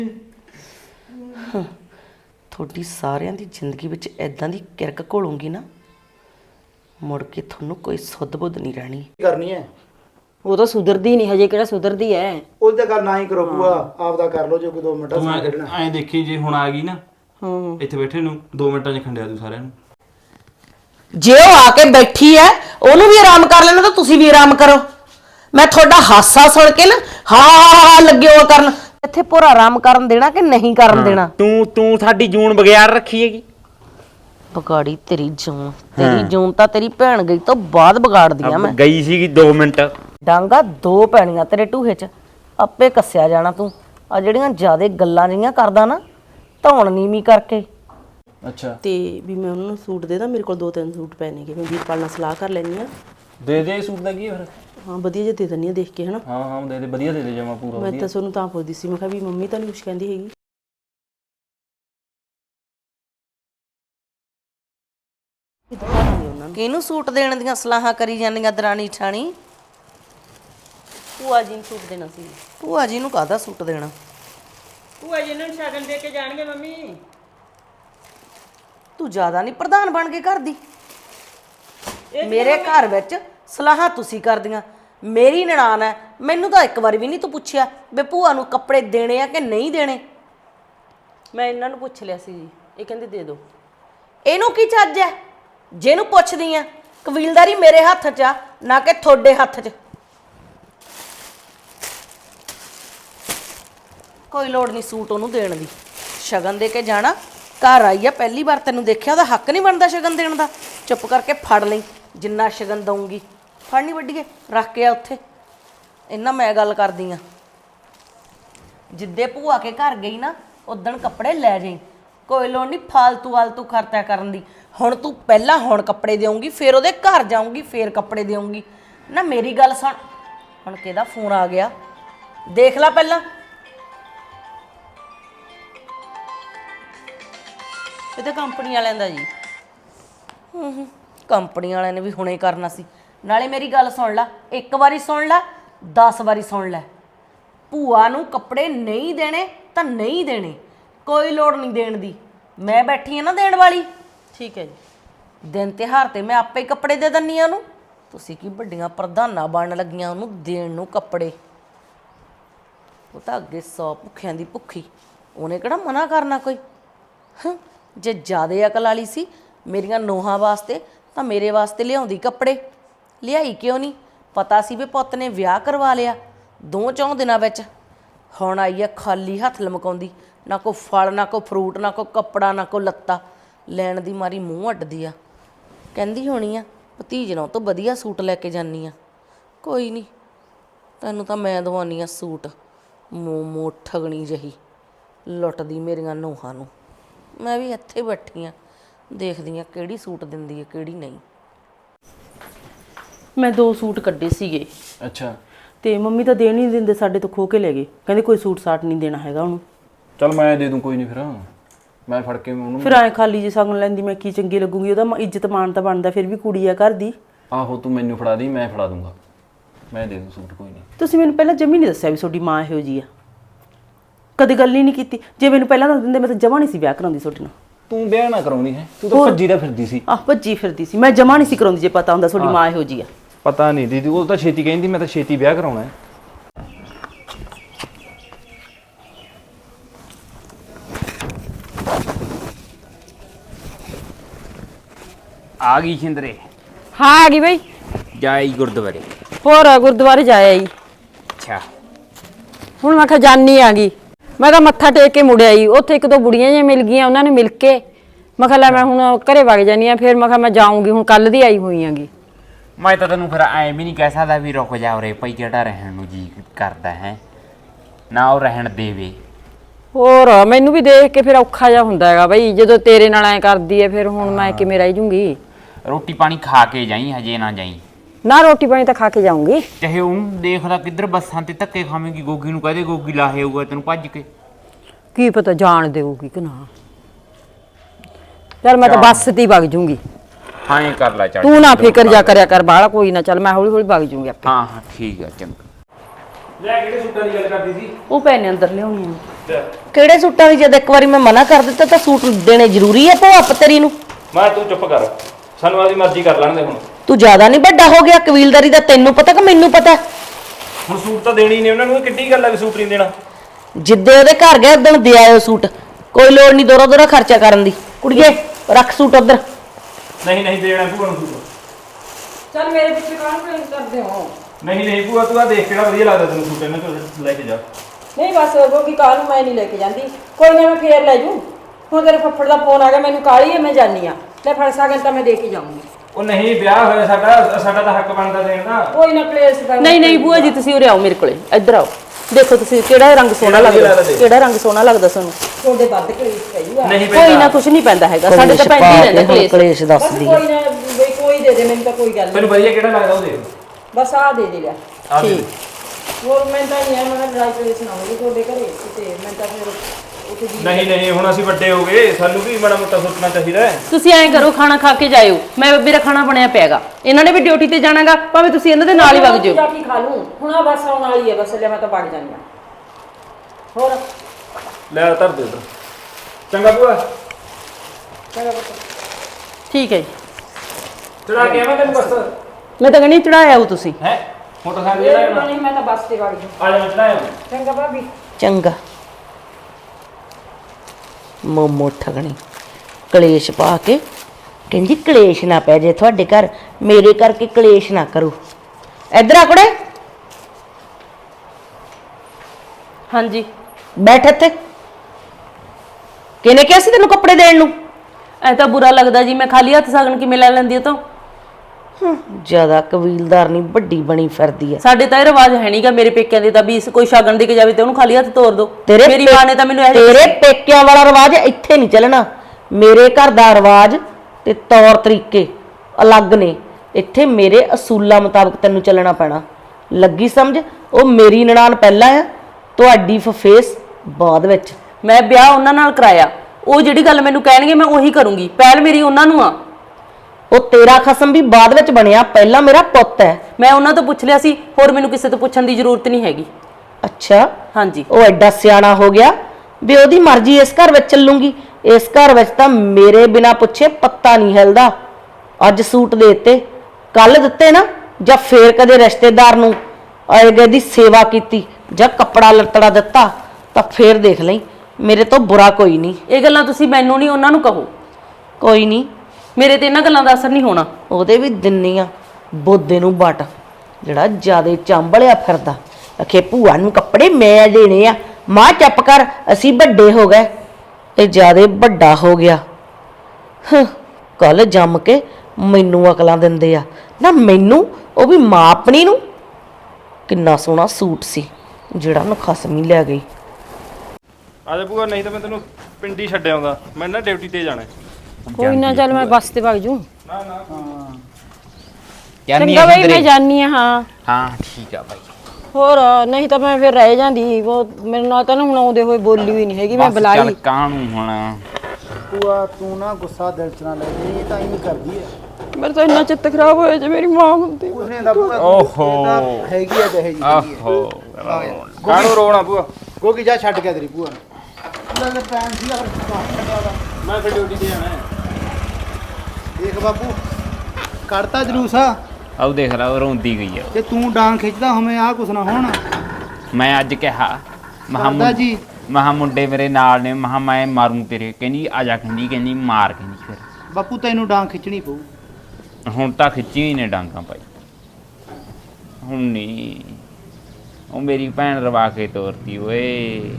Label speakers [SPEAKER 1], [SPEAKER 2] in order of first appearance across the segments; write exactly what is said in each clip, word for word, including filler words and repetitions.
[SPEAKER 1] ਤੁਹਾਡੀ ਸਾਰਿਆਂ ਦੀ ਜ਼ਿੰਦਗੀ ਵਿੱਚ ਇਦਾਂ ਦੀ ਕਿਰਕ ਘੋਲੂੰਗੀ ਨਾ, ਮੁੜ ਕੇ ਤੁਹਾਨੂੰ ਕੋਈ ਸੁੱਧ ਬੁੱਧ ਨਹੀਂ ਰਹਿਣੀ।
[SPEAKER 2] ਕਰਨੀ ਹੈ
[SPEAKER 3] ਉਹ ਤਾਂ ਸੁਧਰਦੀ ਨਹੀਂ ਹਜੇ, ਕਿਹੜਾ ਸੁਧਰਦੀ ਐ।
[SPEAKER 2] ਉਹ ਤਾਂ ਗੱਲ ਨਾ ਹੀ ਕਰੋ ਭੂਆ, ਆਪਦਾ ਕਰ ਲਓ ਜੋ ਕੋਈ ਦੋ ਮਿੰਟਾਂ
[SPEAKER 4] ਤੂੰ
[SPEAKER 2] ਚ ਕੱਢਣਾ।
[SPEAKER 4] ਐਂ ਦੇਖੀ ਜੇ ਹੁਣ ਆ ਗਈ ਨਾ
[SPEAKER 3] ਹੂੰ
[SPEAKER 4] ਇੱਥੇ ਬੈਠੇ ਨੂੰ ਦੋ ਮਿੰਟਾਂ 'ਚ ਖੰਡਿਆ ਤੂੰ ਸਾਰਿਆਂ ਨੂੰ।
[SPEAKER 1] ਜੇ ਉਹ ਆ ਕੇ ਬੈਠੀ ਐ, ਉਹਨੂੰ ਵੀ ਆਰਾਮ ਕਰ ਲੈਣਾ ਤਾਂ ਤੁਸੀਂ ਵੀ ਆਰਾਮ ਕਰੋ। ਮੈਂ ਤੁਹਾਡਾ ਹਾਸਾ ਸੁਣ ਕੇ ਨਾ ਹਾਂ ਲੱਗੇ ਉਹ ਕਰਨ, ਇੱਥੇ ਪੂਰਾ ਆਰਾਮ ਕਰਨ ਦੇਣਾ ਕਿ ਨਹੀਂ ਕਰਨ ਦੇਣਾ।
[SPEAKER 5] ਤੂੰ ਤੂੰ ਸਾਡੀ ਜੂਨ ਬਗਿਆੜ ਰੱਖੀ ਹੈਗੀ।
[SPEAKER 1] ਬਗਾੜੀ ਤੇਰੀ ਜੂਨ, ਤੇਰੀ ਜੂਨ ਤਾਂ ਤੇਰੀ ਭੈਣ ਗਈ ਤੋਂ ਬਾਅਦ ਬਗਾੜਦੀ ਆ ਮੈਂ।
[SPEAKER 5] ਗਈ ਸੀਗੀ ਦੋ ਮਿੰਟ।
[SPEAKER 1] ਡਾਂਗਾ ਦੋ ਪੈਣੀਆਂ ਤੇਰੇ ਢੂਹੇ 'ਚ, ਆਪੇ ਕੱਸਿਆ ਜਾਣਾ ਤੂੰ। ਆ ਜਿਹੜੀਆਂ ਜ਼ਿਆਦੇ ਗੱਲਾਂ ਜਿਹੀਆਂ ਕਰਦਾ ਨਾ ਧੌਣ ਨੀਵੀਂ ਕਰਕੇ।
[SPEAKER 4] ਅੱਛਾ
[SPEAKER 6] ਤੇ ਵੀ ਮੈਂ ਉਹਨਾਂ ਨੂੰ ਸੂਟ ਦੇ ਦਾਂ, ਮੇਰੇ ਕੋਲ ਦੋ ਤਿੰਨ ਸੂਟ ਪਏ ਨੇਗੇ, ਮੈਂ ਵੀਰਪਾਲ ਨਾਲ ਸਲਾਹ ਕਰ ਲੈਣੀ ਆ।
[SPEAKER 4] ਦੇ ਦੇ ਸੂਟ ਦਾ ਕੀ ਫਿਰ?
[SPEAKER 6] ਹਾਂ ਵਧੀਆ ਜਿਹਾ ਦੇ ਦਿੰਦੀ ਆ ਦੇਖ ਕੇ ਹਨਾ।
[SPEAKER 4] ਹਾਂ ਹਾਂ ਦੇ ਦੇ, ਵਧੀਆ ਦੇ ਦੇ ਜਮਾ ਪੂਰਾ
[SPEAKER 6] ਮੈਂ
[SPEAKER 4] ਵਧੀਆ।
[SPEAKER 6] ਤਾਂ ਤੁਹਾਨੂੰ ਤਾਂ ਪੁੱਛਦੀ ਸੀ, ਮੈਂ ਕਿਹਾ ਵੀ ਮੰਮੀ ਤਾਂ ਨਹੀਂ ਕੁਛ ਕਹਿੰਦੀ ਹੈਗੀ।
[SPEAKER 1] ਕਿਹਨੂੰ ਸੂਟ ਦੇਣ ਦੀਆਂ ਸਲਾਹਾਂ ਕਰੀ ਜਾਂਦੀਆਂ ਦਰਾਣੀ ਠਾਣੀ?
[SPEAKER 6] ਭੂਆ ਜੀ ਨੂੰ ਸੂਟ ਦੇਣਾ ਸੀ।
[SPEAKER 1] ਭੂਆ ਜੀ ਨੂੰ ਕਾਹਦਾ ਸੂਟ ਦੇਣਾ?
[SPEAKER 3] ਭੂਆ ਜੀ ਨੂੰ ਸ਼ਗਨ ਦੇ ਕੇ ਜਾਣਗੇ ਮੰਮੀ।
[SPEAKER 1] ਤੂੰ ਜ਼ਿਆਦਾ ਨਹੀਂ ਪ੍ਰਧਾਨ ਬਣ ਕੇ ਘਰ ਦੀ। ਮੇਰੇ ਘਰ ਵਿੱਚ ਸਲਾਹਾਂ ਤੁਸੀਂ ਕਰਦੀਆਂ। ਮੇਰੀ ਨਨਾਣ ਹੈ, ਮੈਨੂੰ ਤਾਂ ਇੱਕ ਵਾਰ ਵੀ ਨਹੀਂ ਤੂੰ ਪੁੱਛਿਆ ਵੀ ਭੂਆ ਨੂੰ ਕੱਪੜੇ ਦੇਣੇ ਆ ਕਿ ਨਹੀਂ ਦੇਣੇ।
[SPEAKER 6] ਮੈਂ ਇਹਨਾਂ ਨੂੰ ਪੁੱਛ ਲਿਆ ਸੀ ਜੀ, ਇਹ ਕਹਿੰਦੇ ਦੇ ਦਿਓ।
[SPEAKER 1] ਇਹਨੂੰ ਕੀ ਚੱਜ ਹੈ ਜਿਹਨੂੰ ਪੁੱਛਦੀ ਆ? ਕਬੀਲਦਾਰੀ ਮੇਰੇ ਹੱਥ 'ਚ ਆ, ਨਾ ਕਿ ਤੁਹਾਡੇ ਹੱਥ 'ਚ। ਕੋਈ ਲੋੜ ਨਹੀਂ ਸੂਟ ਉਹਨੂੰ ਦੇਣ ਦੀ। ਸ਼ਗਨ ਦੇ ਕੇ ਜਾਣਾ, ਘਰ ਆਈ ਆ ਪਹਿਲੀ ਵਾਰ, ਤੈਨੂੰ ਦੇਖਿਆ ਉਹਦਾ ਹੱਕ ਨਹੀਂ ਬਣਦਾ ਸ਼ਗਨ ਦੇਣ ਦਾ। ਚੁੱਪ ਕਰਕੇ ਫੜ ਲਈ, ਜਿੰਨਾ ਸ਼ਗਨ ਦਊਂਗੀ ਫੜ ਨਹੀਂ ਵੱਡੀਏ, ਰੱਖ ਕੇ ਆ ਉੱਥੇ। ਇਹਨਾਂ ਮੈਂ ਗੱਲ ਕਰਦੀ ਆ, ਜਿੱਦੇ ਭੂਆ ਕੇ ਘਰ ਗਈ ਨਾ ਉਦਣ ਕੱਪੜੇ ਲੈ ਜਾਈਂ। ਕੋਈ ਲੋੜ ਨਹੀਂ ਫਾਲਤੂ ਆਲਤੂ ਖਰਚਾ ਕਰਨ ਦੀ। ਹੁਣ ਤੂੰ ਪਹਿਲਾਂ ਹੁਣ ਕੱਪੜੇ ਦੇਉਂਗੀ, ਫਿਰ ਉਹਦੇ ਘਰ ਜਾਊਂਗੀ, ਫਿਰ ਕੱਪੜੇ ਦੇਉਂਗੀ ਨਾ। ਮੇਰੀ ਗੱਲ ਸੁਣ, ਹੁਣ ਕਿਹਦਾ ਫੋਨ ਆ ਗਿਆ ਦੇਖ ਲੈ ਪਹਿਲਾਂ।
[SPEAKER 6] ਇਹ ਤਾਂ ਕੰਪਨੀ ਵਾਲਿਆਂ ਦਾ ਜੀ।
[SPEAKER 1] ਹੂੰ ਹੂੰ ਕੰਪਨੀ ਵਾਲਿਆਂ ਨੇ ਵੀ ਹੁਣੇ ਕਰਨਾ ਸੀ। ਨਾਲੇ ਮੇਰੀ ਗੱਲ ਸੁਣ ਲੈ, ਇੱਕ ਵਾਰੀ ਸੁਣ ਲੈ, ਦਸ ਵਾਰੀ ਸੁਣ ਲੈ। ਭੂਆ ਨੂੰ ਕੱਪੜੇ ਨਹੀਂ ਦੇਣੇ ਤਾਂ ਨਹੀਂ ਦੇਣੇ, ਕੋਈ ਲੋੜ ਨਹੀਂ ਦੇਣ ਦੀ। ਮੈਂ ਬੈਠੀ ਆ ਨਾ ਦੇਣ ਵਾਲੀ।
[SPEAKER 6] ਠੀਕ ਹੈ ਜੀ।
[SPEAKER 1] ਦਿਨ ਤਿਉਹਾਰ ਤੇ ਮੈਂ ਆਪੇ ਹੀ ਕੱਪੜੇ ਦੇ ਦਿੰਦੀ ਆ ਉਹਨੂੰ। ਤੁਸੀਂ ਕੀ ਵੱਡੀਆਂ ਪ੍ਰਧਾਨਾਂ ਬਣਨ ਲੱਗੀਆਂ ਉਹਨੂੰ ਦੇਣ ਨੂੰ ਕੱਪੜੇ? ਉਹ ਤਾਂ ਅੱਗੇ ਸੌ ਭੁੱਖਿਆਂ ਦੀ ਭੁੱਖੀ, ਉਹਨੇ ਕਿਹੜਾ ਮਨਾ ਕਰਨਾ ਕੋਈ। ਹਾਂ ਜੇ ਜ਼ਿਆਦਾ ਅਕਲ ਵਾਲੀ ਸੀ ਮੇਰੀਆਂ ਨੋਹਾਂ ਵਾਸਤੇ ਤਾਂ ਮੇਰੇ ਵਾਸਤੇ ਲਿਆਉਂਦੀ ਕੱਪੜੇ। ਲਿਆਈ ਕਿਉਂ ਨਹੀਂ? ਪਤਾ ਸੀ ਵੀ ਪੁੱਤ ਨੇ ਵਿਆਹ ਕਰਵਾ ਲਿਆ ਦੋ ਚੌਂ ਦਿਨਾਂ ਵਿੱਚ। ਹੁਣ ਆਈ ਆ ਖਾਲੀ ਹੱਥ ਲਮਕਾਉਂਦੀ, ਨਾ ਕੋਈ ਫਲ, ਨਾ ਕੋਈ ਫਰੂਟ, ਨਾ ਕੋਈ ਕੱਪੜਾ, ਨਾ ਕੋਈ ਲੱਤਾ। ਲੈਣ ਦੀ ਮਾਰੀ ਮੂੰਹ ਅੱਡਦੀ ਆ। ਕਹਿੰਦੀ ਹੋਣੀ ਆ ਭਤੀਜ ਨਾਲ ਤੋਂ ਵਧੀਆ ਸੂਟ ਲੈ ਕੇ ਜਾਨੀ ਆ। ਕੋਈ ਨਹੀਂ, ਤੈਨੂੰ ਤਾਂ ਮੈਂ ਦਵਾਨੀ ਆ ਸੂਟ। ਮੂੰਹ ਮੂੰਹ ਠਗਣੀ ਜਹੀ ਲੁੱਟਦੀ ਮੇਰੀਆਂ ਨੋਹਾਂ ਨੂੰ। ਮੈਂ ਵੀ ਇੱਥੇ ਬੈਠੀ ਆ, ਦੇਖਦੀ ਆ ਕਿਹੜੀ ਸੂਟ ਦਿੰਦੀ ਹੈ ਕਿਹੜੀ ਨਹੀਂ।
[SPEAKER 6] ਮੈਂ ਦੋ ਸੂਟ ਕੱਢੇ ਸੀਗੇ
[SPEAKER 4] ਅੱਛਾ
[SPEAKER 6] ਤੇ ਮੰਮੀ ਤਾਂ ਦੇਣ ਹੀ ਨਹੀਂ ਦਿੰਦੇ, ਸਾਡੇ ਤੋਂ ਖੋ ਕੇ ਲੈ ਗਏ। ਕਹਿੰਦੇ ਕੋਈ ਸੂਟ ਸਾਟ ਨਹੀਂ ਦੇਣਾ ਹੈਗਾ ਉਹਨੂੰ।
[SPEAKER 4] ਚੱਲ ਮੈਂ ਦੇ ਦੂੰ, ਕੋਈ ਨਹੀਂ। ਫਿਰ ਮੈਂ ਫੜ ਕੇ ਉਹਨੂੰ।
[SPEAKER 6] ਫਿਰ ਐਂ ਖਾਲੀ ਜੇ ਸਗਨ ਲੈਂਦੀ ਮੈਂ ਕੀ ਚੰਗੀ ਲੱਗੂਗੀ? ਉਹਦਾ ਇੱਜ਼ਤ ਮਾਣ ਤਾਂ ਬਣਦਾ, ਫਿਰ ਵੀ ਕੁੜੀ ਆ ਘਰ ਦੀ।
[SPEAKER 4] ਆਹੋ ਤੂੰ ਮੈਨੂੰ ਫੜਾ ਦੀ, ਮੈਂ ਫੜਾ ਦੂੰਗਾ। ਮੈਂ ਦੇ ਦੂੰ ਸੂਟ, ਕੋਈ ਨਹੀਂ।
[SPEAKER 6] ਤੁਸੀਂ ਮੈਨੂੰ ਪਹਿਲਾਂ ਜਮੀ ਨਹੀਂ ਦੱਸਿਆ ਵੀ ਤੁਹਾਡੀ ਮਾਂ ਇਹੋ ਜਿਹੀ ਆ। ਕਦੇ ਗੱਲ ਹੀ ਨਹੀਂ ਕੀਤੀ। ਜੇ ਮੈਨੂੰ ਪਹਿਲਾਂ ਦੱਸ ਦਿੰਦੇ ਮੈਂ ਤਾਂ ਜਮਾ ਨਹੀਂ ਸੀ ਵਿਆਹ ਕਰਾਉਂਦੀ ਤੁਹਾਡੇ ਨਾਲ।
[SPEAKER 4] ਤੂੰ ਵਿਆਹ ਨਾ ਕਰਾਉਣੀ ਹੈ, ਤੂੰ ਤਾਂ ਭੱਜੀ ਦਾ ਫਿਰਦੀ ਸੀ।
[SPEAKER 6] ਆਹ ਭੱਜੀ ਫਿਰਦੀ ਸੀ, ਮੈਂ ਜਮਾ ਨਹੀਂ ਸੀ ਕਰਾਉਂਦੀ ਜੇ ਪਤਾ ਹੁੰਦਾ ਤੁਹਾਡੀ ਮਾਂ ਇਹੋ ਜਿਹੀ ਆ।
[SPEAKER 4] ਪਤਾ ਨਹੀਂ ਦੀਦੀ, ਉਹ ਤਾਂ ਛੇਤੀ ਕਹਿੰਦੀ ਮੈਂ ਤਾਂ ਛੇਤੀ ਵਿਆਹ ਕਰਾਉਣਾ ਹੈ।
[SPEAKER 5] ਆ ਗਈ ਸ਼ਿੰਦਰੇ।
[SPEAKER 3] ਹਾਂ ਆ ਗਈ ਬਈ।
[SPEAKER 5] ਜਾਈ ਗੁਰਦੁਆਰੇ।
[SPEAKER 3] ਹੋਰ ਗੁਰਦੁਆਰੇ ਜਾਇਆ ਜੀ।
[SPEAKER 5] ਅੱਛਾ
[SPEAKER 3] ਹੁਣ ਮੈਂ ਕਿਹਾ ਜਾਨੀ ਆ ਗਈ। ਮੈਂ ਤਾਂ ਮੱਥਾ ਟੇਕ ਕੇ ਮੁੜਿਆ ਜੀ। ਉੱਥੇ ਇੱਕ ਦੋ ਬੁੜੀਆਂ ਜਿਹੀਆਂ ਮਿਲ ਗਈਆਂ, ਉਹਨਾਂ ਨੇ ਮਿਲ ਕੇ ਮੈਂ ਕਿਹਾ ਲੈ ਮੈਂ ਹੁਣ ਘਰੇ ਵਗ ਜਾਨੀ ਆ। ਫਿਰ ਮੈਂ ਕਿਹਾ ਮੈਂ ਜਾਊਂਗੀ, ਹੁਣ ਕੱਲ ਦੀ ਆਈ ਹੋਈ ਆਂਗੀ।
[SPEAKER 5] ਮੈਂ ਤਾਂ ਤੈਨੂੰ ਫਿਰ ਐਂ ਵੀ ਨਹੀਂ ਕਹਿ ਸਕਦਾ ਵੀ ਰੁਕ ਜਾ ਉਰੇ ਭਾਈ, ਜਿਹੜਾ ਰਹਿਣ ਨੂੰ ਜੀ ਕਰਦਾ ਹੈ ਨਾ ਉਹ ਰਹਿਣ ਦੇਵੇ।
[SPEAKER 3] ਹੋਰ ਮੈਨੂੰ ਵੀ ਦੇਖ ਕੇ ਫਿਰ ਔਖਾ ਜਿਹਾ ਹੁੰਦਾ ਹੈਗਾ ਬਈ, ਜਦੋਂ ਤੇਰੇ ਨਾਲ ਐ ਕਰਦੀ ਹੈ ਫਿਰ ਹੁਣ ਮੈਂ ਕਿਵੇਂ ਰਹਿ ਜੂੰਗੀ?
[SPEAKER 5] ਰੋਟੀ ਪਾਣੀ ਖਾ ਕੇ ਜਾਈ, ਹਜੇ ਨਾ ਜਾਈ।
[SPEAKER 3] ਨਾ ਰੋਟੀ ਪਾਣੀ ਤਾਂ ਖਾ ਕੇ ਜਾਊਂਗੀ।
[SPEAKER 5] ਚਾਹੇ ਉਹਨੂੰ ਦੇਖਦਾ ਕਿੱਧਰ ਬੱਸਾਂ ਤੇ ਧੱਕੇ ਖਾਵੇਂਗੀ, ਗੋਗੀ ਨੂੰ ਕਹਦੇ ਗੋਗੀ ਲਾਹੇ ਹੋਊਗਾ ਤੈਨੂੰ ਭੱਜ ਕੇ।
[SPEAKER 3] ਕੀ ਪਤਾ ਜਾਣ ਦੇਊਗੀ ਕਿ ਨਾ। ਚੱਲ ਮੈਂ ਤਾਂ ਬੱਸ ਤੇ ਹੀ ਵਗ ਜੂੰਗੀ।
[SPEAKER 5] ਹਾਂ ਇਹ ਕਰ ਲੈ ਚੱਲ,
[SPEAKER 3] ਤੂੰ ਨਾ ਫਿਕਰ ਜਾ ਕਰਿਆ ਕਰ ਬਾਹਲਾ, ਕੋਈ ਨਾ। ਚੱਲ ਮੈਂ ਹੌਲੀ ਹੌਲੀ ਵਗ ਜੂੰਗੀ ਆਪੇ।
[SPEAKER 5] ਹਾਂ ਹਾਂ ਠੀਕ ਹੈ ਚੰਗਾ।
[SPEAKER 4] ਲੈ ਕਿਹੜੇ ਸੂਟਾਂ ਦੀ ਗੱਲ ਕਰਦੀ ਸੀ?
[SPEAKER 6] ਉਹ ਪੈ ਨੇ ਅੰਦਰ ਲਿਆਉਣੀ ਆ।
[SPEAKER 1] ਕਿਹੜੇ ਸੂਟਾਂ ਦੀ? ਜਦ ਇੱਕ ਵਾਰੀ ਮੈਂ ਮਨਾ ਕਰ ਦਿੱਤਾ ਤਾਂ ਸੂਟ ਦੇਣੇ ਜ਼ਰੂਰੀ ਹੈ ਭੋਪ ਤੇਰੀ ਨੂੰ?
[SPEAKER 4] ਮੈਂ ਤੂੰ ਚੁੱਪ ਕਰ, ਸਾਨੂੰ ਆਦੀ ਮਰਜ਼ੀ ਕਰ ਲੈਣ ਦੇ ਹੁਣ।
[SPEAKER 1] ਤੂੰ ਜ਼ਿਆਦਾ ਨਹੀਂ ਵੱਡਾ ਹੋ ਗਿਆ? ਕਬੀਲਦਾਰੀ ਦਾ ਤੈਨੂੰ ਪਤਾ ਕਿ ਮੈਨੂੰ ਪਤਾ?
[SPEAKER 4] ਹੁਣ ਸੂਟ ਤਾਂ ਦੇਣੀ ਨੇ ਉਹਨਾਂ ਨੂੰ, ਇਹ ਕਿੱਡੀ ਗੱਲ ਆ ਵੀ ਸੂਟ ਨਹੀਂ ਦੇਣਾ।
[SPEAKER 1] ਜਿੱਦੇ ਉਹਦੇ ਘਰ ਗਏ ਉਦੋਂ ਦੇ ਆਇਓ ਸੂਟ, ਕੋਈ ਲੋੜ ਨਹੀਂ ਦੋਰਾ ਦੋਰਾ ਖਰਚਾ ਕਰਨ ਦੀ। ਕੁੜੀਏ ਰੱਖ ਸੂਟ ਉਧਰ।
[SPEAKER 4] ਨਹੀਂ ਨਹੀਂ ਦੇਣਾ ਭੂਆ ਨੂੰ ਸੂਟ।
[SPEAKER 3] ਚੱਲ ਮੇਰੇ ਪਿੱਛੇ ਕਾਹਨ ਪ੍ਰੇਮ ਕਰਦੇ ਹੋ?
[SPEAKER 4] ਨਹੀਂ ਨਹੀਂ ਭੂਆ, ਤੂੰ ਆ ਦੇਖ ਕਿਹੜਾ ਵਧੀਆ ਲੱਗਦਾ ਤੈਨੂੰ ਸੂਟ, ਇਹਨਾਂ ਕੋਲ ਲੈ ਕੇ ਜਾ।
[SPEAKER 3] ਨਹੀਂ ਬਸ ਕਿਉਂਕਿ ਕਾਹ ਨੂੰ ਮੈਂ ਨਹੀਂ ਲੈ ਕੇ ਜਾਂਦੀ, ਕੋਈ ਨਾ ਮੈਂ ਫੇਰ ਲੈ ਜੂ। ਹੁਣ ਤੇਰੇ ਫੱਫੜ ਦਾ ਫੋਨ ਆ ਗਿਆ, ਮੈਨੂੰ ਕਾਹਲੀ ਹੈ, ਮੈਂ ਜਾਨੀ ਆ। ਲੈ ਫੜ ਸਾਗਨ ਤਾਂ ਮੈਂ ਦੇ ਕੇ ਜਾਊਂਗੀ।
[SPEAKER 4] ਉਹ ਨਹੀਂ ਵਿਆਹ ਹੋਇਆ ਸਾਡਾ, ਸਾਡਾ ਤਾਂ ਹੱਕ ਬਣਦਾ ਦੇਣ ਦਾ।
[SPEAKER 3] ਕੋਈ ਨਾ ਕਲੇਸ਼ ਕਰ।
[SPEAKER 6] ਨਹੀਂ ਨਹੀਂ ਭੂਆ ਜੀ ਤੁਸੀਂ ਉਰੇ ਆਓ ਮੇਰੇ ਕੋਲੇ, ਇੱਧਰ ਆਓ। ਦੇਖੋ ਤੁਸੀਂ ਕਿਹੜਾ ਰੰਗ ਸੋਹਣਾ ਲੱਗਦਾ, ਕਿਹੜਾ ਰੰਗ ਸੋਹਣਾ ਲੱਗਦਾ ਤੁਹਾਨੂੰ?
[SPEAKER 3] ਤੁਹਾਡੇ ਵੱਧ ਕਲੇਸ਼ ਪਈਗਾ।
[SPEAKER 4] ਨਹੀਂ
[SPEAKER 6] ਕੋਈ ਨਾ
[SPEAKER 4] ਪੈਂਦਾ,
[SPEAKER 6] ਕੁਝ ਨਹੀਂ ਪੈਂਦਾ ਹੈਗਾ, ਸਾਡੇ ਤਾਂ ਪੈਂਦੇ ਹੀ ਰਹਿੰਦੇ ਕਲੇਸ਼।
[SPEAKER 1] ਕਲੇਸ਼
[SPEAKER 3] ਬਸ
[SPEAKER 1] ਦੱਸਦੀ
[SPEAKER 3] ਕੋਈ ਨਾ ਬਈ ਕੋਈ ਦੇ ਦੇ, ਮੈਨੂੰ ਤਾਂ ਕੋਈ ਗੱਲ
[SPEAKER 4] ਤੈਨੂੰ
[SPEAKER 3] ਨਹੀਂ।
[SPEAKER 4] ਵਧੀਆ ਕਿਹੜਾ ਲੱਗਦਾ ਉਹ ਦੇਖ।
[SPEAKER 3] ਬਸ ਆ ਦੇ ਦੇ ਲਿਆ।
[SPEAKER 4] ਆ ਦੇ।
[SPEAKER 3] ਹੋਰ ਮੈਂ ਤਾਂ ਨਹੀਂ ਆ, ਮੈਂ ਕਿਹਾ ਲੜਾਈ ਕਲੇਸ਼ ਨਾ ਹੋਵੇ ਤੁਹਾਡੇ ਘਰੇ ਤੇ ਮੈਂ ਤਾਂ ਫਿਰ ਉੱਥੇ ਜੀ।
[SPEAKER 4] ਨਹੀਂ ਨਹੀਂ ਹੁਣ ਅਸੀਂ ਵੱਡੇ ਹੋ ਗਏ, ਸਾਨੂੰ ਵੀ ਮਾੜਾ ਮੋਟਾ ਸੋਚਣਾ ਚਾਹੀਦਾ ਹੈ।
[SPEAKER 6] ਤੁਸੀਂ ਐਂ ਕਰੋ, ਖਾਣਾ ਖਾ ਕੇ ਜਾਇਓ, ਮੈਂ ਮੇਰਾ ਖਾਣਾ ਬਣਿਆ ਪਿਆਗਾ। ਇਹਨਾਂ ਨੇ ਵੀ ਡਿਊਟੀ ਤੇ ਜਾਣਾਗਾ, ਭਾਵੇਂ ਤੁਸੀਂ ਇਹਨਾਂ ਦੇ ਨਾਲ ਹੀ ਵਗ ਜਾਓ।
[SPEAKER 3] ਜਾ ਕੇ ਖਾ ਲੂੰ ਹੁਣ, ਆ ਬਸ ਆਉਣ ਵਾਲੀ ਹੈ, ਬਸ ਲੈ ਮੈਂ ਤਾਂ ਵਗ ਜਾਣੀ ਆ। ਹੋਰ
[SPEAKER 4] ਲੈ ਧਰ ਦੇ ਉਧਰ। ਚੰਗਾ ਭੂਆ,
[SPEAKER 3] ਚੰਗਾ ਪੁੱਤ।
[SPEAKER 6] ਠੀਕ ਹੈ ਜੀ,
[SPEAKER 4] ਚੜਾ ਕੇ ਆਵਾਂ ਤੈਨੂੰ ਬਸ।
[SPEAKER 6] ਮੈਂ ਤਾਂ ਕਹਿੰਦੀ ਚੜਾਇਆ ਹੋ ਤੁਸੀਂ।
[SPEAKER 4] ਹੈ ਮੋਟਰਸਾਈਕਲ ਜਿਹੜਾ
[SPEAKER 3] ਇਹ ਨਹੀਂ, ਮੈਂ ਤਾਂ ਬੱਸ ਤੇ ਵਗ ਜੂ।
[SPEAKER 4] ਆ ਜਾ, ਮੈਂ ਚੜਾਇਆ।
[SPEAKER 3] ਚੰਗਾ ਭਾਬੀ।
[SPEAKER 1] ਚੰਗਾ। ਮੋਮੋ ਠਗਣੀ ਕਲੇਸ਼ ਪਾ ਕੇ ਕਹਿੰਦੀ ਕਲੇਸ਼ ਨਾ ਪੈ ਜੇ ਤੁਹਾਡੇ ਘਰ, ਮੇਰੇ ਕਰਕੇ ਕਲੇਸ਼ ਨਾ ਕਰੋ। ਇੱਧਰ ਆ ਕੁੜੇ,
[SPEAKER 6] ਹਾਂਜੀ
[SPEAKER 1] ਬੈਠ ਇੱਥੇ। ਕਿਹਨੇ ਕਿਹਾ ਸੀ ਤੈਨੂੰ ਕੱਪੜੇ ਦੇਣ ਨੂੰ?
[SPEAKER 6] ਐ ਤਾਂ ਬੁਰਾ ਲੱਗਦਾ ਜੀ, ਮੈਂ ਖਾਲੀ ਹੱਥ ਸਾਗਣ ਕਿਵੇਂ ਲੈ ਲੈਂਦੀ ਉਹ ਤਾਂ।
[SPEAKER 1] ਜਿਆਦਾ ਕਬੀਲਦਾਰ ਨਹੀਂ, ਵੱਡੀ ਬਣੀ ਫਿਰਦੀ ਐ।
[SPEAKER 6] ਸਾਡੇ ਤਾਂ ਇਹ ਰਿਵਾਜ ਹੈ ਨਹੀਂਗਾ, ਮੇਰੇ ਪੇਕਿਆਂ ਦੇ ਤਾਂ ਵੀ ਕੋਈ ਸ਼ਗਨ ਦੇ ਕੇ ਜਾਵੇ ਤੇ ਉਹਨੂੰ ਖਾਲੀ ਹੱਥ ਤੋਰ ਦੋ।
[SPEAKER 1] ਤੇਰੇ
[SPEAKER 6] ਮੇਰੀ ਮਾਂ ਨੇ ਤਾਂ ਮੈਨੂੰ ਇਹ
[SPEAKER 1] ਤੇਰੇ ਪੇਕਿਆਂ ਵਾਲਾ ਰਿਵਾਜ ਇੱਥੇ ਨਹੀਂ ਚੱਲਣਾ। ਮੇਰੇ ਘਰ ਦਾ ਰਿਵਾਜ ਤੇ ਤੌਰ ਤਰੀਕੇ ਅਲੱਗ ਨੇ। ਇੱਥੇ ਮੇਰੇ ਅਸੂਲਾਂ ਮੁਤਾਬਕ ਤੈਨੂੰ ਚੱਲਣਾ ਪੈਣਾ। ਲੱਗੀ ਸਮਝ? ਉਹ ਮੇਰੀ ਨਨਾਣ ਪਹਿਲਾਂ ਆ, ਤੁਹਾਡੀ ਫਫੇਸ ਬਾਅਦ ਵਿੱਚ।
[SPEAKER 6] ਮੈਂ ਵਿਆਹ ਉਹਨਾਂ ਨਾਲ ਕਰਾਇਆ, ਉਹ ਜਿਹੜੀ ਗੱਲ ਮੈਨੂੰ ਕਹਿਣਗੇ ਮੈਂ ਉਹੀ ਕਰੂੰਗੀ, ਪਹਿਲ ਮੇਰੀ ਉਹਨਾਂ ਨੂੰ ਆ।
[SPEAKER 1] ਉਹ ਤੇਰਾ ਖਸਮ ਵੀ ਬਾਅਦ ਵਿੱਚ ਬਣਿਆ, ਪਹਿਲਾਂ ਮੇਰਾ ਪੁੱਤ ਹੈ।
[SPEAKER 6] ਮੈਂ ਉਹਨਾਂ ਤੋਂ ਪੁੱਛ ਲਿਆ ਸੀ, ਹੋਰ ਮੈਨੂੰ ਕਿਸੇ ਤੋਂ ਪੁੱਛਣ ਦੀ ਜ਼ਰੂਰਤ ਨਹੀਂ ਹੈਗੀ।
[SPEAKER 1] ਅੱਛਾ,
[SPEAKER 6] ਹਾਂਜੀ
[SPEAKER 1] ਉਹ ਐਡਾ ਸਿਆਣਾ ਹੋ ਗਿਆ ਵੀ ਉਹਦੀ ਮਰਜ਼ੀ ਇਸ ਘਰ ਵਿੱਚ ਚੱਲੂਗੀ। ਇਸ ਘਰ ਵਿੱਚ ਤਾਂ ਮੇਰੇ ਬਿਨਾ ਪੁੱਛੇ ਪੱਤਾ ਨਹੀਂ ਹਿਲਦਾ। ਅੱਜ ਸੂਟ ਦੇ ਦਿੱਤੇ, ਕੱਲ ਦਿੱਤੇ ਨਾ, ਜਾਂ ਫੇਰ ਕਦੇ ਰਿਸ਼ਤੇਦਾਰ ਨੂੰ ਆਏ ਗਏ ਦੀ ਸੇਵਾ ਕੀਤੀ ਜਾਂ ਕੱਪੜਾ ਲੱਤੜਾ ਦਿੱਤਾ ਤਾਂ ਫੇਰ ਦੇਖ ਲਈ। ਮੇਰੇ ਤੋਂ ਬੁਰਾ ਕੋਈ ਨਹੀਂ।
[SPEAKER 6] ਇਹ ਗੱਲਾਂ ਤੁਸੀਂ ਮੈਨੂੰ ਨਹੀਂ ਉਹਨਾਂ ਨੂੰ ਕਹੋ,
[SPEAKER 1] ਕੋਈ ਨਹੀਂ,
[SPEAKER 6] ਮੇਰੇ ਤੇ ਇਹਨਾਂ ਗੱਲਾਂ ਦਾ ਅਸਰ ਨਹੀਂ ਹੋਣਾ।
[SPEAKER 1] ਉਹਦੇ ਵੀ ਦਿੰਨੀ ਆ ਬੋਦੇ ਨੂੰ ਬਟ, ਜਿਹੜਾ ਜਿਆਦੇ ਚਾਂਬਲਿਆ ਫਿਰਦਾ। ਅਖੇ ਭੂਆ ਨੂੰ ਕੱਪੜੇ ਮੈਂ ਦੇਣੇ ਆ। ਮਾਂ ਚੱਪ ਕਰ, ਅਸੀਂ ਵੱਡੇ ਹੋ ਗਏ। ਇਹ ਜਿਆਦੇ ਵੱਡਾ ਹੋ ਗਿਆ। ਕੱਲ ਜੰਮ ਕੇ ਮੈਨੂੰ ਅਕਲਾਂ ਦਿੰਦੇ ਆ ਨਾ, ਮੈਨੂੰ ਉਹ ਵੀ ਮਾਂ ਆਪਣੀ ਨੂੰ। ਕਿੰਨਾ ਸੋਹਣਾ ਸੂਟ ਸੀ ਜਿਹੜਾ ਨਖਸਮੀ ਲੈ ਗਈ।
[SPEAKER 4] ਆ ਜਾ ਭੂਆ, ਨਹੀਂ ਤਾਂ ਮੈਂ ਤੈਨੂੰ ਪਿੰਡੀ ਛੱਡ ਆਉਂਦਾ, ਮੈਂ ਨਾ ਡਿਊਟੀ ਤੇ ਜਾਣਾ।
[SPEAKER 3] ਕੋਈ ਨਾ, ਚੱਲ ਮੈਂ ਬੱਸ ਤੇ ਵਗ ਜੂ।
[SPEAKER 4] ਨਾ ਨਾ
[SPEAKER 3] ਚੰਗਾ ਬਈ, ਮੈਂ ਜਾਣੀ ਆ। ਹਾਂ
[SPEAKER 5] ਹਾਂ ਠੀਕ ਆ ਭਾਈ।
[SPEAKER 3] ਹੋਰ ਨਹੀਂ ਤਾਂ ਮੈਂ ਫਿਰ ਰਹਿ ਜਾਂਦੀ। ਉਹ ਮੇਰੇ ਨਾਲ ਤਾਂ ਨਾ ਹੁਣ ਆਉਂਦੇ ਹੋਏ ਬੋਲੀ ਵੀ ਨਹੀਂ ਹੈਗੀ, ਮੈਂ
[SPEAKER 5] ਬਸ
[SPEAKER 3] ਬੁਲਾਈ।
[SPEAKER 5] ਚੱਲ ਕਾਹਨੂੰ ਹੁਣ।
[SPEAKER 2] ਭੂਆ ਤੂੰ ਨਾ ਗੁੱਸਾ ਦਿਲ ਚ ਨਾ ਲੈ, ਇਹ ਤਾਂ ਇਵੇਂ ਕਰਦੀ ਹੈ।
[SPEAKER 3] ਮੇਰੇ ਤਾਂ ਇੰਨਾ ਚਿੱਤ ਖਰਾਬ ਹੋਇਆ ਜੇ ਮੇਰੀ ਮਾਂ ਹੁੰਦੀ।
[SPEAKER 2] ਕੁਛ ਨਹੀਂ ਹੁੰਦਾ ਭੂਆ,
[SPEAKER 5] ਓਹੋ।
[SPEAKER 2] ਇਹ ਤਾਂ ਹੈਗੀ ਆ ਜਿਹੇ ਜੀ ਹੈਗੀ ਆ।
[SPEAKER 5] ਆਹੋ
[SPEAKER 2] ਕਾਹਨੂੰ ਰੋਣਾ ਭੂਆ? ਗੋਗੀ ਜਾ ਛੱਡ ਗਿਆ ਤੇਰੀ ਭੂਆ ਨੂੰ। ਲੈ ਪੈਣ ਸੀ ਫਿਰ
[SPEAKER 4] ਮੈਂ ਫਿਰ ਡਿਊਟੀ ਤੇ ਜਾਣਾ ਹੈ।
[SPEAKER 2] ਦੇਖ ਬਾਪੂ, ਕੱਢਤਾ ਜਲੂਸ ਆ।
[SPEAKER 5] ਆਉ ਦੇਖ ਲਾ, ਉਹ ਰੋਂਦੀ ਗਈ ਆ।
[SPEAKER 2] ਤੇ ਤੂੰ ਡਾਂਗ ਖਿੱਚਦਾ ਹੋਵੇਂ ਆ ਕੁਛ ਨਾ ਹੋਣ।
[SPEAKER 5] ਮੈਂ ਅੱਜ ਕਿਹਾ ਮਹਾ
[SPEAKER 2] ਕਰਦਾ ਜੀ।
[SPEAKER 5] ਮਹਾ ਮੁੰਡੇ ਮੇਰੇ ਨਾਲ ਨੇ, ਮਹਾ ਮੈਂ ਮਾਰੂੰ ਤੇਰੇ। ਕਹਿੰਦੀ ਆ ਜਾ, ਕਹਿੰਦੀ ਕਹਿੰਦੀ ਮਾਰ, ਕਹਿੰਦੀ ਫਿਰ
[SPEAKER 2] ਬਾਪੂ ਤੈਨੂੰ ਡਾਂਗ ਖਿੱਚਣੀ ਪਊ।
[SPEAKER 5] ਹੁਣ ਤਾਂ ਖਿੱਚੀ ਹੀ ਨੇ ਡਾਂਗਾਂ ਭਾਈ, ਹੁਣ ਨਹੀਂ। ਉਹ ਮੇਰੀ ਭੈਣ ਰਵਾ ਕੇ ਤੋਰਤੀ ਓਏ,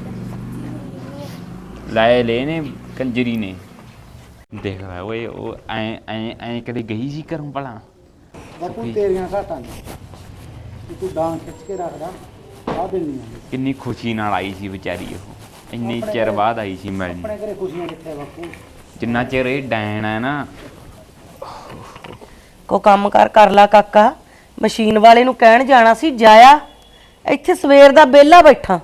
[SPEAKER 5] ਲਾਏ ਲੈ ਨੇ ਕੰਜਰੀ ਨੇ। ਦੇਖ ਲੈ ਓਏ, ਉਹ ਐ ਐ ਐ ਕਦੇ ਗਈ ਸੀ ਘਰੋਂ ਭਲਾ?
[SPEAKER 2] ਬਾਪੂ ਤੇਰੀਆਂ ਘਾਟਾਂ ਨੇ, ਤੂੰ ਡਾਂਗ ਖਿੱਚ ਕੇ ਰੱਖਦਾ ਆ ਦਿੰਨੀ ਆ।
[SPEAKER 5] ਕਿੰਨੀ ਖੁਸ਼ੀ ਨਾਲ ਆਈ ਸੀ ਵਿਚਾਰੀ ਉਹ, ਇੰਨੇ ਚਿਰ ਬਾਅਦ ਆਈ ਸੀ ਮਿਲਣ।
[SPEAKER 2] ਆਪਣੇ ਘਰੇ ਖੁਸ਼ੀਆਂ ਕਿੱਥੇ ਬਾਪੂ?
[SPEAKER 5] ਜਿੰਨਾ ਚਿਰ ਇਹ ਡੈਣ ਹੈ ਨਾ।
[SPEAKER 1] ਕੋ ਕੰਮ ਕਰ ਕਰ ਲਾ ਕਾਕਾ। ਮਸ਼ੀਨ ਵਾਲੇ ਨੂੰ ਕਹਿਣ ਜਾਣਾ ਸੀ, ਜਾਇਆ। ਇੱਥੇ ਸਵੇਰ ਦਾ ਵਿਹਲਾ ਬੈਠਾ।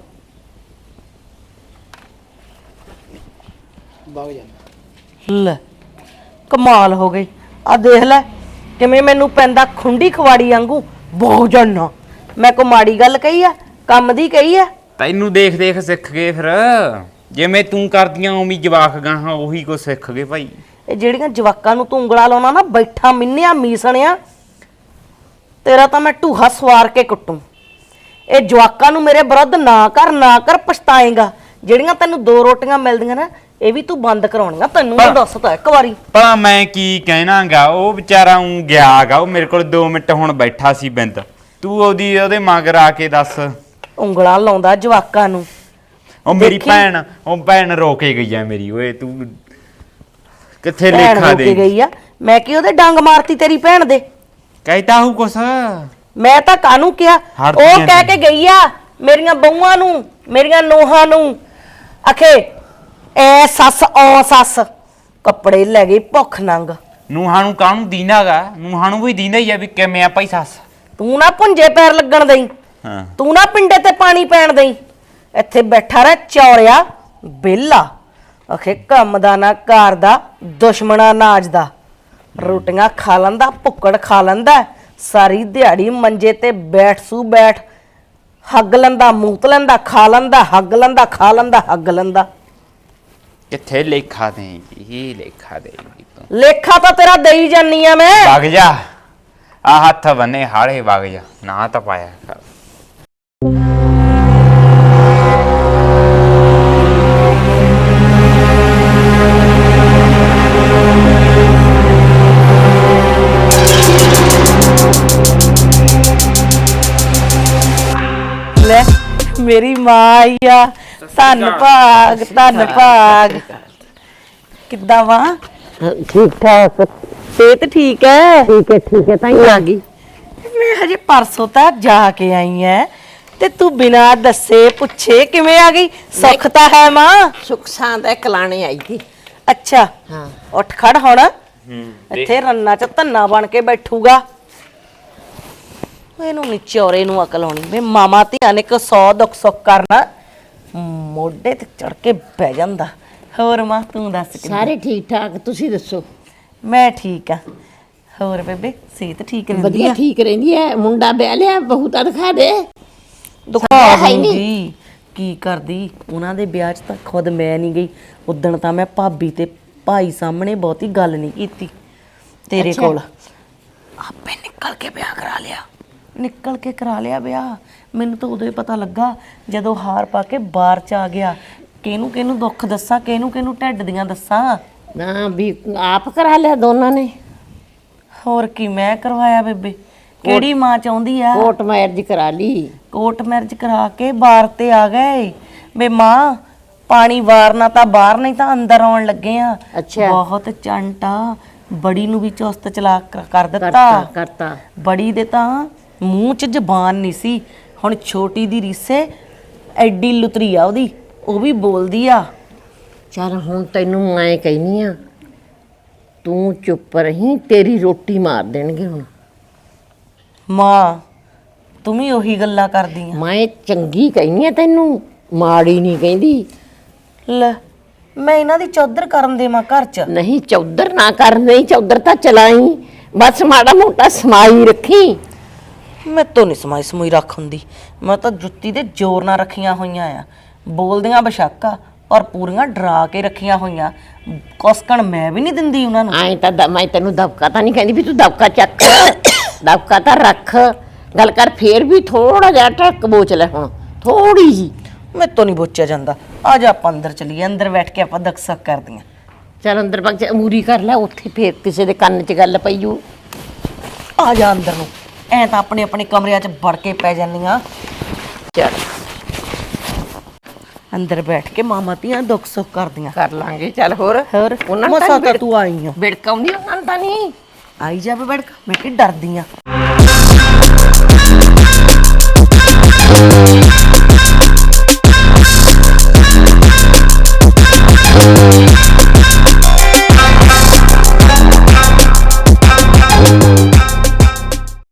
[SPEAKER 2] ਵਗ ਜਾਂਦਾ।
[SPEAKER 1] ਲੈ ਕਮਾਲ ਹੋ ਗਈ। ਆ ਦੇਖ ਲੈ ਕਿਵੇਂ ਮੈਨੂੰ ਪੈਂਦਾ ਖੁੰਡੀ ਖਵਾੜੀ ਵਾਂਗੂ। ਬਹੁਤ ਜਾਨਾ ਮੈਂ ਕੋ ਮਾੜੀ ਗੱਲ ਕਹੀ ਆ, ਕੰਮ ਦੀ ਕਹੀ ਆ।
[SPEAKER 5] ਤੈਨੂੰ ਦੇਖ ਦੇਖ ਸਿੱਖ ਗਏ ਫਿਰ ਜਿਵੇਂ ਤੂੰ ਕਰਦੀਆਂ ਉਵੇਂ ਜਵਾਕ ਗਾਹਾਂ ਉਹੀ ਕੋ ਸਿੱਖ ਗਏ ਭਾਈ।
[SPEAKER 1] ਇਹ ਜਿਹੜੀਆਂ ਜਵਾਕਾਂ ਨੂੰ ਤੂੰ ਉਂਗਲਾ ਲਾਉਣਾ ਨਾ ਬੈਠਾ ਮਿੰਨਿਆ ਮੀਸਣਿਆ ਤੇਰਾ ਤਾਂ ਮੈਂ ਢੂਹਾ ਸਵਾਰ ਕੇ ਕੁੱਟੂ। ਇਹ ਜਵਾਕਾਂ ਨੂੰ ਮੇਰੇ ਵਿਰੁੱਧ ਨਾ ਕਰ ਨਾ ਕਰ ਪਛਤਾਏਗਾ। ਜਿਹੜੀਆਂ ਤੈਨੂੰ ਦੋ ਰੋਟੀਆਂ ਮਿਲਦੀਆਂ ਨਾ ਇਹ ਵੀ ਤੂੰ ਬੰਦ ਕਰਾਉਣੀਆਂ। ਤੈਨੂੰ ਮੈਂ ਦੱਸ ਤਾ ਇੱਕ ਵਾਰੀ।
[SPEAKER 5] ਭਲਾ ਮੈਂ ਕੀ ਕਹਿਣਾਗਾ ਉਹ ਵਿਚਾਰਾ ਉਂ ਗਿਆਗਾ ਉਹ ਮੇਰੇ ਕੋਲ ਦੋ ਮਿੰਟ ਹੁਣ ਬੈਠਾ ਸੀ ਬਿੰਦ ਤੂੰ ਉਹਦੀ ਉਹਦੇ ਮਗਰ ਆ ਕੇ ਦੱਸ।
[SPEAKER 1] ਉਂਗਲਾਂ ਲਾਉਂਦਾ ਜਵਾਕਾਂ ਨੂੰ।
[SPEAKER 5] ਉਹ ਮੇਰੀ
[SPEAKER 1] ਦੇਖੀ?
[SPEAKER 5] ਭੈਣ ਉਹ ਭੈਣ ਰੋ ਕੇ ਗਈ ਆ ਮੇਰੀ ਓਏ ਤੂੰ ਕਿੱਥੇ
[SPEAKER 1] ਭੈਣ
[SPEAKER 5] ਲੇਖਾ
[SPEAKER 1] ਹੋ ਕੇ
[SPEAKER 5] ਦੇ
[SPEAKER 1] ਗਈ ਆ ਮੈਂ ਕੀ ਉਹਦੇ ਡੰਗ ਮਾਰਤੀ ਤੇਰੀ ਭੈਣ ਦੇ।
[SPEAKER 5] ਕਹਿਤਾ ਹੂੰ ਕੁਛ
[SPEAKER 1] ਮੈਂ ਤਾਂ ਕਾਹਨੂੰ ਕਿਹਾ
[SPEAKER 5] ਹੜਦੀਆਂ
[SPEAKER 1] ਉਹ ਕਹਿ
[SPEAKER 5] ਨੇ।
[SPEAKER 1] ਕੇ ਗਈ ਆ ਮੇਰੀਆਂ ਬਹੂਆਂ ਨੂੰ ਮੇਰੀਆਂ ਨੂੰਹਾਂ ਨੂੰ ਆਖੇ ਐ ਸੱਸ ਔ ਸੱਸ ਕੱਪੜੇ ਲੈ ਗਈ ਭੁੱਖ ਨੰਗ।
[SPEAKER 5] ਨੂੰਹਾਂ ਨੂੰ ਕਾਹਨੂੰ ਦੀਨਾਗਾ ਨੂੰਹਾਂ ਨੂੰ ਵੀ ਦੀਨਾ ਹੀ ਆ ਵੀ ਕਿਵੇਂ ਆ ਭਾਈ ਸੱਸ।
[SPEAKER 1] ਤੂੰ ਨਾ ਪੁੰਜੇ ਪੈਰ ਲੱਗਣ ਦੇਈ
[SPEAKER 5] ਹਾਂ
[SPEAKER 1] ਤੂੰ ਨਾ ਪਿੰਡੇ ਤੇ ਪਾਣੀ ਪੈਣ ਦੇਈ। ਇੱਥੇ ਬੈਠਾ ਰਹਿ ਚੌਰਿਆ ਬੇਲਾ ਆਖੇ ਕੰਮ ਦਾ ਨਾ ਘਰ ਦਾ ਦੁਸ਼ਮਣਾ ਨਾਜ ਦਾ। ਰੋਟੀਆਂ ਖਾ ਲੈਂਦਾ ਭੁੱਕੜ ਖਾ ਲੈਂਦਾ ਸਾਰੀ ਦਿਹਾੜੀ ਮੰਜੇ ਤੇ ਬੈਠ ਸੂ ਬੈਠ ਹੱਗ ਲੈਂਦਾ ਮੂਤ ਲੈਂਦਾ ਖਾ ਲੈਂਦਾ ਹੱਗ ਲੈਂਦਾ ਖਾ ਲੈਂਦਾ ਹੱਗ ਲੈਂਦਾ।
[SPEAKER 5] ਕਿੱਥੇ ਲੇਖਾ ਦੇਂਗੀ ਲੇਖਾ ਦੇਂਗੀ ਤੂੰ।
[SPEAKER 1] ਲੇਖਾ ਤਾਂ ਤੇਰਾ ਦੇਈ ਜਾਨੀ ਆ ਮੈਂ।
[SPEAKER 5] ਵਗ ਜਾ ਆ ਹੱਥ ਬੰਨੇ ਹਾੜੇ ਵਗ ਜਾ ਨਾ ਤਾਂ ਪਾਇਆ ਕਰ।
[SPEAKER 1] ਲੈ ਮੇਰੀ ਮਾਂ ਆਈ ਆ ਧੰਨ ਭਾਗ ਧੰਨ ਭਾਗ। ਕਿੱਦਾਂ ਵਾ
[SPEAKER 3] ਠੀਕ ਠਾਕ
[SPEAKER 1] ਸਿਹਤ ਠੀਕ ਹੈ?
[SPEAKER 3] ਠੀਕ ਹੈ ਠੀਕ ਹੈ ਤਾਂ ਹੀ ਆ ਗਈ।
[SPEAKER 1] ਮੈਂ ਹਜੇ ਪਰਸੋਂ ਤਾਂ ਜਾ ਕੇ ਆਈ ਐ ਤੇ ਤੂੰ ਬਿਨਾਂ ਦੱਸੇ ਪੁੱਛੇ ਕਿਵੇਂ ਆ ਗਈ? ਸੁੱਖ ਤਾਂ ਹੈ ਮਾਂ।
[SPEAKER 7] ਸੁੱਖ ਸਾਂਦ ਕਲਾਣੇ ਆਈ ਸੀ।
[SPEAKER 1] ਅੱਛਾ
[SPEAKER 7] ਹਾਂ
[SPEAKER 1] ਉੱਠ ਖੜ ਹੁਣ ਇੱਥੇ ਰੰਨਾ ਚ ਧੰਨਾ ਬਣ ਕੇ ਬੈਠੂਗਾ। ਮੈਨੂੰ ਨੀ ਚੌਰੇ ਨੂੰ ਅਕਲ ਆਉਣੀ ਵੇ ਮਾਮਾ ਧੀਆਂ ਨੇ ਕੋ ਸੌ ਦੁੱਖ ਸੁੱਖ ਕਰਨਾ ਮੋਢੇ ਤੇ ਚੜ ਕੇ ਬਹਿ ਜਾਂਦਾ। ਹੋਰ ਮਾਂ ਤੂੰ ਦੱਸ ਕਿੱਦਾਂ?
[SPEAKER 7] ਸਾਰੇ ਠੀਕ ਠਾਕ ਤੁਸੀਂ ਦੱਸੋ?
[SPEAKER 1] ਮੈਂ ਠੀਕ ਆ। ਹੋਰ ਬੇਬੇ ਸਿਹਤ ਠੀਕ ਰਹਿੰਦੀ
[SPEAKER 7] ਵਧੀਆ
[SPEAKER 1] ਆ?
[SPEAKER 7] ਠੀਕ ਰਹਿੰਦੀ ਹੈ। ਮੁੰਡਾ ਵਿਆਹ ਲਿਆ ਬਹੂ ਤਾਂ ਦਿਖਾ ਦੇ।
[SPEAKER 1] ਦੁਖਾ
[SPEAKER 7] ਹੈ ਹੀ ਨਹੀਂ।
[SPEAKER 1] ਦੂੰਗੀ ਕੀ ਕਰਦੀ ਉਹਨਾਂ ਦੇ ਵਿਆਹ 'ਚ ਤਾਂ ਖੁਦ ਮੈਂ ਨਹੀਂ ਗਈ। ਉਦਣ ਤਾਂ ਮੈਂ ਭਾਬੀ ਤੇ ਭਾਈ ਸਾਹਮਣੇ ਬਹੁਤੀ ਗੱਲ ਨਹੀਂ ਕੀਤੀ ਤੇਰੇ
[SPEAKER 7] ਅੱਛਾ।
[SPEAKER 1] ਕੋਲ। ਆਪੇ ਨਿਕਲ ਕੇ ਵਿਆਹ ਕਰਾ ਲਿਆ ਨਿਕਲ ਕੇ ਕਰਾ ਲਿਆ ਵਿਆਹ। ਮੈਨੂੰ ਤਾਂ ਉਦੋਂ ਹੀ ਪਤਾ ਲੱਗਾ ਜਦੋਂ ਹਾਰ ਪਾ ਕੇ ਬਾਹਰ 'ਚ ਆ ਗਿਆ। ਕਿਹਨੂੰ ਕਿਹਨੂੰ ਦੁੱਖ ਦੱਸਾਂ ਕਿਹਨੂੰ ਕਿਹਨੂੰ ਢਿੱਡ ਦੀਆਂ ਦੱਸਾਂ।
[SPEAKER 7] ਨਾ ਵੀ ਆਪ ਕਰਾ ਲਿਆ ਦੋਨਾਂ ਨੇ।
[SPEAKER 1] ਹੋਰ ਕੀ ਮੈਂ ਕਰਵਾਇਆ ਬੇਬੇ? ਕਿਹੜੀ ਮਾਂ ਚਾਹੁੰਦੀ ਆ
[SPEAKER 7] ਕੋਰਟ ਮੈਰਿਜ ਕਰਾ ਲਈ।
[SPEAKER 1] ਕੋਰਟ ਮੈਰਿਜ ਕਰਾ ਕੇ ਬਾਹਰ ਤੇ ਆ ਗਏ ਬੇ ਮਾਂ। ਪਾਣੀ ਵਾਰਨਾ ਤਾਂ ਬਾਹਰ ਨਹੀਂ ਤਾਂ ਅੰਦਰ ਆਉਣ ਲੱਗੇ ਆ।
[SPEAKER 7] ਅੱਛਾ।
[SPEAKER 1] ਬਹੁਤ ਚੰਟਾ ਬੜੀ ਨੂੰ ਵੀ ਚੁਸਤ ਚਲਾਕ ਕਰ- ਕਰ ਦਿੱਤਾ।
[SPEAKER 7] ਕਰਤਾ ਕਰਤਾ
[SPEAKER 1] ਬੜੀ ਦੇ ਤਾਂ ਮੂੰਹ 'ਚ ਜ਼ਬਾਨ ਨਹੀਂ ਸੀ। ਹੁਣ ਛੋਟੀ ਦੀ ਰੀਸੇ ਐਡੀ ਲੁਤਰੀ ਆ ਉਹਦੀ ਉਹ ਵੀ ਬੋਲਦੀ ਆ।
[SPEAKER 7] ਚੱਲ ਹੁਣ ਤੈਨੂੰ ਮੈਂ ਕਹਿਨੀ ਆ ਤੂੰ ਚੁੱਪ ਰਹੀਂ ਤੇਰੀ ਰੋਟੀ ਮਾਰ ਦੇਣਗੇ ਹੁਣ।
[SPEAKER 1] ਮਾਂ ਤੂੰ ਵੀ ਉਹੀ ਗੱਲਾਂ ਕਰਦੀ ਆ।
[SPEAKER 7] ਮੈਂ ਚੰਗੀ ਕਹਿਨੀ ਆ ਤੈਨੂੰ ਮਾੜੀ ਨਹੀਂ ਕਹਿੰਦੀ।
[SPEAKER 1] ਲੈ ਮੈਂ ਇਹਨਾਂ ਦੀ ਚੌਧਰ ਕਰਨ ਦੇਵਾਂ ਘਰ 'ਚ?
[SPEAKER 7] ਨਹੀਂ ਚੌਧਰ ਨਾ ਕਰ ਨਹੀਂ ਚੌਧਰ ਤਾਂ ਚਲਾਈ ਬਸ ਮਾੜਾ ਮੋਟਾ ਸਮਾਈ ਰੱਖੀ।
[SPEAKER 1] ਮੈਂ ਤੋਂ ਨਹੀਂ ਸਮਾਈ ਸਮੂਈ ਰੱਖ ਹੁੰਦੀ। ਮੈਂ ਤਾਂ ਜੁੱਤੀ ਦੇ ਜ਼ੋਰ ਨਾਲ ਰੱਖੀਆਂ ਹੋਈਆਂ ਆ। ਬੋਲਦੀਆਂ ਬਸ਼ੱਕਾ ਔਰ ਪੂਰੀਆਂ ਡਰਾ ਕੇ ਰੱਖੀਆਂ ਹੋਈਆਂ। ਕੁਸਕਣ ਮੈਂ ਵੀ ਨਹੀਂ ਦਿੰਦੀ ਉਹਨਾਂ ਨੂੰ।
[SPEAKER 7] ਐਂ ਤਾਂ ਦ- ਮੈਂ ਤੈਨੂੰ ਦਬਕਾ ਤਾਂ ਨਹੀਂ ਕਹਿੰਦੀ ਵੀ ਤੂੰ ਦਬਕਾ ਚੱਕ ਦਬਕਾ ਤਾਂ ਰੱਖ ਗੱਲ ਕਰ ਫੇਰ ਵੀ ਥੋੜਾ ਜਿਹਾ ਟੱਕ ਬੋਚ ਲੈ ਹੁਣ ਥੋੜੀ ਜੀ।
[SPEAKER 1] ਮੈਂ ਤੋਂ ਨਹੀਂ ਬੋਚਿਆ ਜਾਂਦਾ। ਆ ਜਾ ਆਪਾਂ ਅੰਦਰ ਚਲੀਏ ਅੰਦਰ ਬੈਠ ਕੇ ਆਪਾਂ ਦਕਸਕ ਕਰਦੀਆਂ।
[SPEAKER 7] ਚੱਲ ਅੰਦਰ ਬਗ ਜਾ ਮੂਰੀ ਕਰ ਲੈ ਉੱਥੇ ਫੇਰ ਕਿਸੇ ਦੇ ਕੰਨ 'ਚ ਗੱਲ ਪਈੂ।
[SPEAKER 1] ਆ ਜਾ ਅੰਦਰ ਨੂੰ ਐ ਤਾਂ ਆਪਣੇ ਆਪਣੇ ਕਮਰਿਆਂ 'ਚ ਵੜ ਕੇ ਪੈ ਜਾਂਦੀਆਂ।
[SPEAKER 7] ਚੱਲ
[SPEAKER 1] ਅੰਦਰ ਬੈਠ ਕੇ ਮਾਮਾ ਧੀਆਂ ਦੁੱਖ ਸੁੱਖ ਕਰਦੀਆਂ।
[SPEAKER 7] ਕਰ ਲਾਂਗੇ ਚੱਲ ਹੋਰ
[SPEAKER 1] ਹੋਰ
[SPEAKER 7] ਉਹਨਾਂ ਨੂੰ
[SPEAKER 1] ਮਸਾ
[SPEAKER 7] ਤਾਂ
[SPEAKER 1] ਤਾਂ ਤੂੰ ਆਈ ਆ।
[SPEAKER 7] ਬਿੜਕਾਉਂਦੀ ਉਹਨਾਂ ਨੂੰ ਤਾਂ ਨਹੀਂ।
[SPEAKER 1] ਆਈ ਜਾਵੇ ਬੜਕ ਮੈਂ ਕਿ ਡਰਦੀ ਆ।